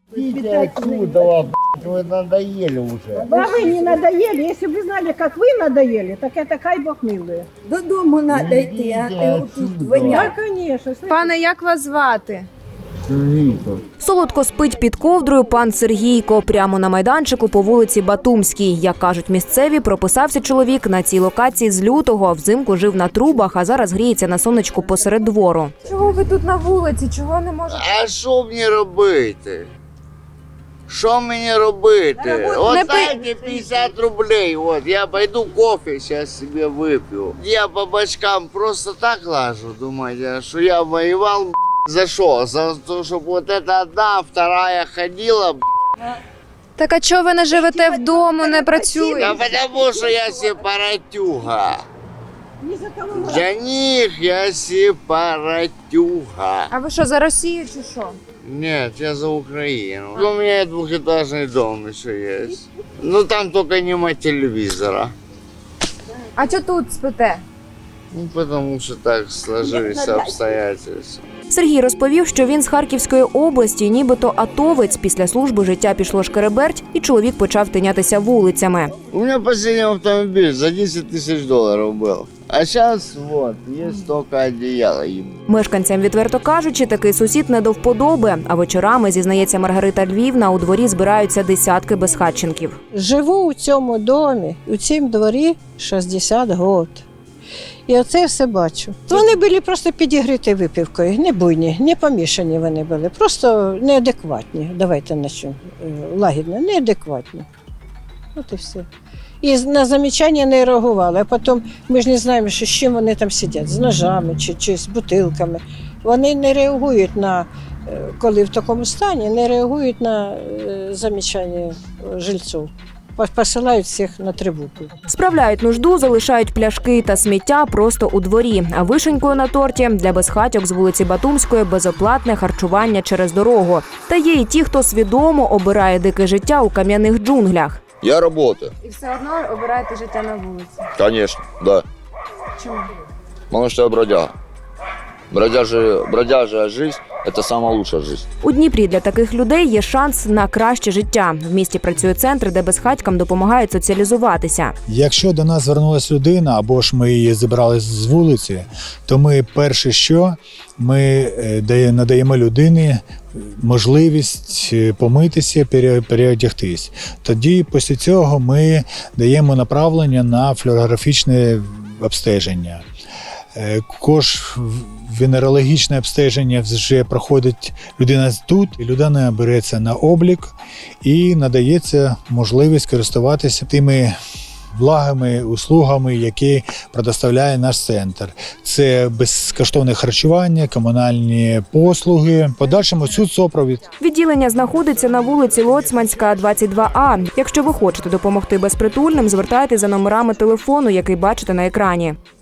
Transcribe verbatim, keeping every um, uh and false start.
Идите отсюда, вы надоели уже. А вы не надоели. Если бы вы знали, как вы надоели, так это кай Бог милує. Додому треба йти, а ти тут Да, воняє. конечно. Пане, як вас звати? Солодко спить під ковдрою пан Сергійко. Прямо на майданчику по вулиці Батумській. Як кажуть місцеві, прописався чоловік на цій локації з лютого. Взимку жив на трубах, а зараз гріється на сонечку посеред двору. Чого ви тут на вулиці? Чого не можете? А що мені робити? Що мені робити? От Не дайте пятьдесят рублей, от я пойду кофе сейчас себе выпью. Я по бочкам просто так лажу, думаете, что я воевал, за что? За то, чтобы вот эта одна, вторая ходила, Так а чого ви не живете вдома, не да працюєте? потому что я сепаратюга. Ни за кого не Для них я сепаратюга. А ви що, за Росію чи що? Нет, я за Украину. У меня двухэтажный дом еще есть. Ну там только нема телевизора. А чого тут спите? Ну потому что так сложились обстоятельства. Сергій розповів, що він з Харківської області, нібито атовець. Після служби життя пішло шкереберть, і чоловік почав тинятися вулицями. У меня последний автомобиль за десять тысяч долларов был. А сейчас вот, есть только одеяло. Мешканцям, відверто кажучи, такий сусід не до вподоби. А вечорами, зізнається Маргарита Львівна, у дворі збираються десятки безхатченків. Живу у цьому домі, у цьому дворі шістдесят років. І оце все бачу. Вони були просто підігріті випивкою, не буйні, не помішані вони були, просто неадекватні. Давайте начнемо лагідно, неадекватні. От і все. І на замічання не реагували, а потім ми ж не знаємо, що з чим вони там сидять, з ножами чи, чи з бутилками. Вони не реагують на, коли в такому стані, не реагують на замічання жильців. Посилають всіх на тривогу. Справляють нужду, залишають пляшки та сміття просто у дворі. А вишенькою на торті для безхатьок з вулиці Батумської безоплатне харчування через дорогу. Та є і ті, хто свідомо обирає дике життя у кам'яних джунглях. Я работаю, І все одно обираєте життя на вулиці. конечно, да. Чому? Потому что я бродяга. Бродяжа, бродяжая жизнь – это самая лучшая жизнь. У Дніпрі для таких людей є шанс на краще життя. В місті працює центр, де безхатькам допомагають соціалізуватися. Якщо до нас звернулася людина, або ж ми її зібрали з вулиці, то ми перше що, ми надаємо людині можливість помитися, переодягтись. Тоді після цього ми даємо направлення на флюорографічне обстеження. Також венерологічне обстеження вже проходить людина тут, і людина береться на облік і надається можливість користуватися тими благами, услугами, які предоставляє наш центр. Це безкоштовне харчування, комунальні послуги, подальшому соцсупровід. Відділення знаходиться на вулиці Лоцманська, двадцять два А. Якщо ви хочете допомогти безпритульним, звертайтеся за номерами телефону, який бачите на екрані.